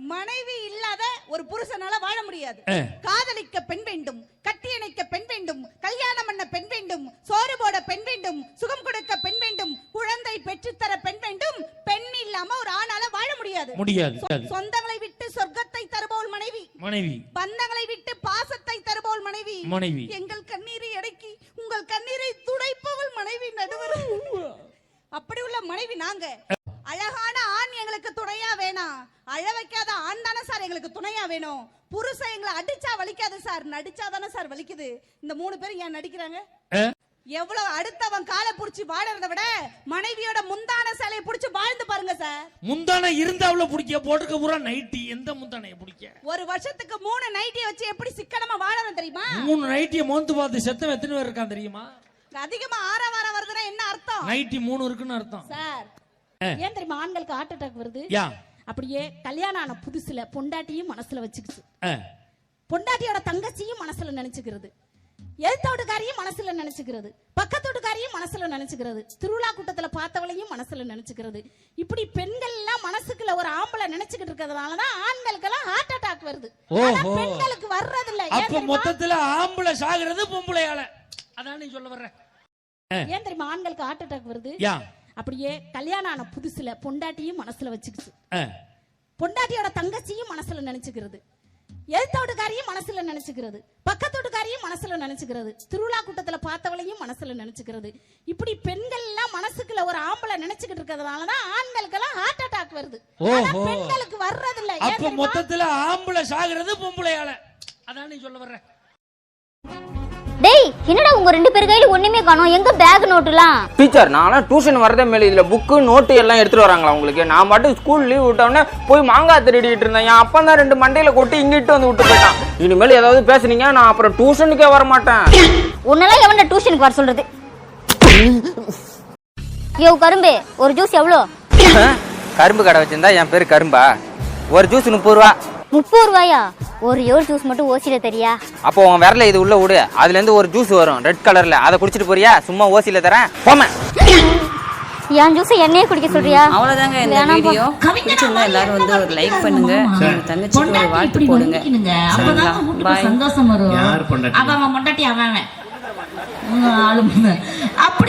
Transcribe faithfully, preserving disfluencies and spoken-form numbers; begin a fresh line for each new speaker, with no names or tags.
மனைவி இல்லாத ஒரு புருஷனால வாழ முடியாது. காதலிக்க பெண் வேண்டும், கட்டியணைக்க பெண் வேண்டும், கல்யாணம் பண்ண பெண் வேண்டும், சோறு போட பெண் வேண்டும், சுகம் கொடுக்க பெண் வேண்டும், குழந்தை பெற்றுத்தர பெண் வேண்டும். பெண் இல்லாம ஒரு ஆணால வாழ முடியாது.
முடியாது.
சொந்தங்களை விட்டு சொர்க்கத்தை தருபவள் மனைவி.
மனைவி.
பந்தங்களை விட்டு பாசத்தை தருபவள் மனைவி.
மனைவி.
எங்கள் கண்ணீரை அடக்கி உங்கள் கண்ணீரை துடைப்பவள் மனைவி. நடுவர் அப்படி உள்ள மனைவி நாங்க. அழகான ஆண் எங்களுக்கு துணையா வேணாம், அழ வைக்காத ஆண் தானே சார் எங்களுக்கு துணையா வேணும். புருஷன் எங்களை அடிச்சா வலிக்காது சார், நடிச்சா தானே சார் வலிக்குது. இந்த மூணு பேரும் ஏன் நடிக்கிறாங்க? எவ்வளவு அடுத்தவன் காலை புடிச்சு வாழறத விட மனைவியோட முந்தான சேலையை புடிச்சு வாழ்ந்து பாருங்க சார்.
முந்தான இருந்தாவுல புடிக்க போட்டுக்க பூரா நைட்டி. எந்த முந்தானைய புடிக்க?
ஒரு வருஷத்துக்கு மூணு நைட்டியை வச்சு எப்படி சிக்கனமா வாழறோம் தெரியுமா?
மூணு நைட்டியை மோந்து பார்த்து செத்தவன் எத்தனை பேர் இருக்கான் தெரியுமா?
அதிகமா ஆற வார வருதுன்னா என்ன அர்த்தம்?
நைட்டி மூணு இருக்குன்னு அர்த்தம்
சார். ஏன் தெரியுமா ஆண்களுக்கு ஹார்ட் அட்டாக் வருது? அப்படியே கல்யாணம் ஆன புதுசுல பொண்டாட்டியும் மனசுல வச்சுக்கிச்சு, பொண்டாட்டியோட தங்கச்சியும் மனசுல நினைச்சுக்கிறது, எழுத்தோட்டுக்காரையும் மனசுல நினைச்சுக்கிறது, பக்கத்தோட்டுக்காரையும் மனசுல நினைச்சுக்கிறது, திருவிழா கூட்டத்துல பார்த்தவளையும் மனசுல நினைச்சுக்கிறது. இப்படி பெண்கள் எல்லாம் மனசுக்குள்ள ஒரு ஆம்பளை நினைச்சுக்கிட்டு இருக்கிறதுனாலதான் ஆண்களுக்கு எல்லாம் ஹார்ட் அட்டாக் வருது. பெண்களுக்கு வர்றது இல்ல.
அப்ப மொத்தத்துல ஆம்பளை சாகுறது பொம்பளையால. அதான் நீ சொல்ல வர்ற.
ஏன் தெரியுமா ஆண்களுக்கு ஹார்ட் அட்டாக் வருது? அப்படியே கல்யாணம் ஆன புதுசுல பொண்டாட்டியும் மனசுல வச்சுக்கிச்சு, பொண்டாட்டியோட தங்கச்சியும் மனசுல நினைச்சுக்கிறது, எழுத்தோட்டுக்காரையும் மனசுல நினைச்சுக்கிறது, பக்கத்தோட்டுக்காரையும் மனசுல நினைச்சுக்கிறது, திருவிழா கூட்டத்துல பார்த்தவளையும் மனசுல நினைச்சுக்கிறது. இப்படி பெண்கள் எல்லாம் மனசுக்குள்ள ஒரு ஆம்பளை நினைச்சுக்கிட்டு இருக்கிறதுனாலதான் ஆண்களுக்கு எல்லாம் ஹார்ட் அட்டாக் வருது. பெண்களுக்கு வர்றது இல்ல.
அப்ப மொத்தத்துல ஆம்பளை சாகுறது பொம்பளையால. அதான் நீ சொல்ல வர்ற.
டேய், என்னடா உங்க ரெண்டு பேர் கையில ஒண்ணுமே காணோம்? எங்க பேக் நோட்டுலாம்?
டீச்சர், நான்லாம் டியூஷன் வரதே மேல இதுல புக்கு நோட்டு எல்லாம் எடுத்துட்டு வராங்களா உங்களுக்கு? நான் மட்டும் ஸ்கூல் லீவ் விட்டவொடனே போய் மாங்காய் திருடிட்டு இருந்தேன். என் அப்பா தான் ரெண்டு மண்டையில கொட்டி இங்கிட்டு வந்து விட்டு போயிட்டான். இனிமேல் ஏதாவது பேசுனீங்க நான் அப்புறம் டியூஷனுக்கே வர மாட்டேன்.
உன்னெல்லாம் எவன்டா டியூஷனுக்கு வர சொல்றது? யோ கரும்பு, ஒரு ஜூஸ் எவ்வளோ?
கரும்பு கடை வச்சிருந்தா என் பேரு கரும்பா? ஒரு ஜூஸ் முப்பது ரூபா.
முப்பது ரூபாயா? ஒரு யோர் ஜூஸ் மட்டும் ஓசில தெரியா?
அப்போ உன் விரல இது உள்ள விடு, அதுல இருந்து ஒரு ஜூஸ் வரும் ரெட் கலர்ல, அதை குடிச்சிட்டு போறியா? சும்மா ஓசில தரேன் போமா.
என் ஜூஸ் என்னையே குடிக்க சொல்றியா?
அவ்வளவுதாங்க இந்த வீடியோ. பிடிச்சிருந்தா எல்லாரும் வந்து ஒரு லைக் பண்ணுங்க, தங்கச்சிக்கு ஒரு வாழ்த்து போடுங்க. அப்பதான் பாய்.
சந்தோஷம் வரும். அவன் பொண்டாட்டி அவன் அப்படி